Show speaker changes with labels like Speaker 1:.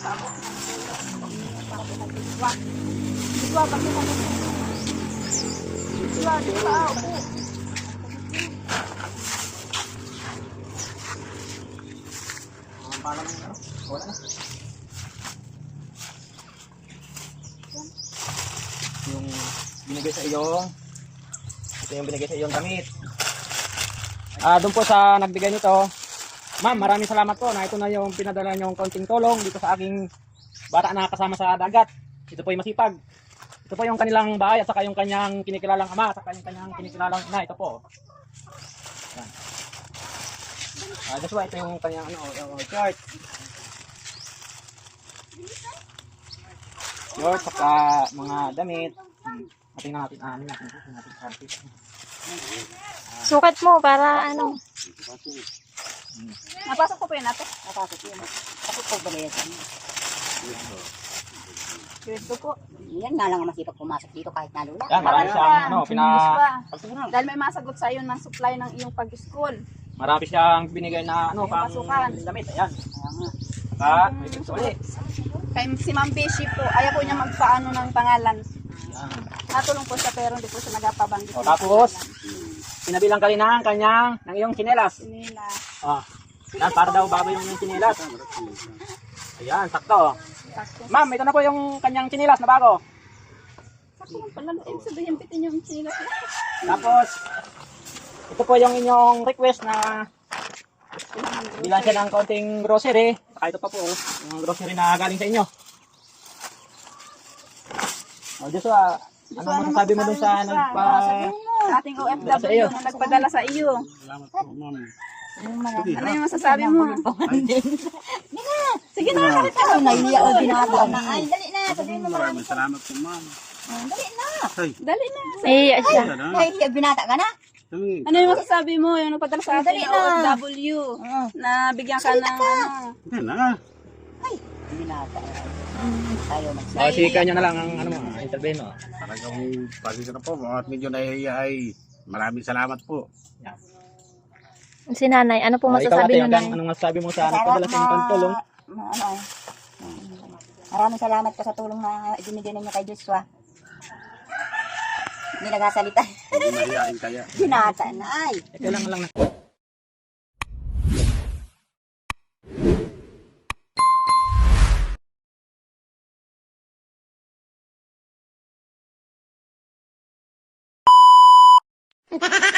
Speaker 1: Sabot ng tulong. Para po kay Joshua. Joshua, bakit mo? Joshua, upo.
Speaker 2: Ang pala ng ano? Wala na. Yung binigay sa iyong ito yung binigay sa iyong damit. Doon po sa nagbigay nito, ma'am, maraming salamat po na ito na yung pinadala niyong konting tulong dito sa aking bata na kasama sa dagat. Ito po yung masipag. Ito po yung kanilang bahay at saka yung kanyang kinikilalang ama at saka yung kanyang kinikilalang ina. Ito po. Yan. Joshua, ito yung kanyang yung short. Short saka mga damit. Tingnan natin natin.
Speaker 3: Sukat mo para ano.
Speaker 1: Napasok ko po yun ate.
Speaker 4: Napasok yun. Ako po ba yan?
Speaker 1: Ito po.
Speaker 4: Yan nga lang ang masipag pumasok dito kahit nalula.
Speaker 2: Yan, marami siyang
Speaker 1: Dahil may masagot sa iyo ng supply ng iyong pag-school.
Speaker 2: marami siyang binigay na
Speaker 1: May
Speaker 2: pang
Speaker 1: pasukan.
Speaker 2: damit. Ayan.
Speaker 4: Kaya nga.
Speaker 2: Saka may picture ulit.
Speaker 1: Kay si Ma'am Beshi po, ayaw po niya magpaano ng pangalan.
Speaker 2: Yan.
Speaker 1: Natulong po siya pero hindi po siya nagapabanggit.
Speaker 2: O, tapos, sinabilang ka rin ng kanyang, ng iyong chinelas.
Speaker 1: Nila.
Speaker 2: Yan, para daw bago yung chinelas. Ayan, sakto. Ma'am, ito na po yung kanyang chinelas na bago.
Speaker 1: Sakto lang pala. Ibig sabihin, pitin yung sinilas niya.
Speaker 2: Tapos, ito po yung inyong request na bilan siya ng konting grocery. Saka ito pa po, yung grocery na galing sa inyo. O, Joshua, ano masasabi mo dun sa
Speaker 1: Sa ating OFW na nagpadala sa iyo.
Speaker 5: Salamat po, ma'am.
Speaker 1: Ano yung masasabi mo? Sige na,
Speaker 4: Ano na hindi ako ginagawa na. Ay,
Speaker 1: dali na. Sabihin mo marami.
Speaker 5: Maraming salamat po, ma'am.
Speaker 4: Dali na.
Speaker 5: Ay,
Speaker 1: Dali na.
Speaker 3: Iya siya.
Speaker 5: yan na.
Speaker 4: Kahit binata ka na.
Speaker 5: Sabi,
Speaker 1: Ano yung masasabi mo? Yung nagpadala sa ating
Speaker 4: Dali na.
Speaker 1: OFW na bigyan ka ng ano.
Speaker 5: yan na.
Speaker 4: Binata. Tayo magsabi.
Speaker 2: O, si kanya na lang ang intervene mo.
Speaker 5: Talagang pasensya na po. At medyo nahihiya ay maraming salamat po.
Speaker 3: Si nanay, ano po
Speaker 2: Ikaw
Speaker 3: masasabi
Speaker 2: ate,
Speaker 3: mo nanay?
Speaker 2: anong masasabi mo sa nagpadala sa inyong tulong?
Speaker 4: Maraming salamat po sa tulong na ibinigay ninyo kay Joshua. Hindi nagasalita.
Speaker 5: Hindi mahihiyain kaya.
Speaker 4: Binata na ay.
Speaker 2: Kailangan lang na.
Speaker 3: Ha ha ha!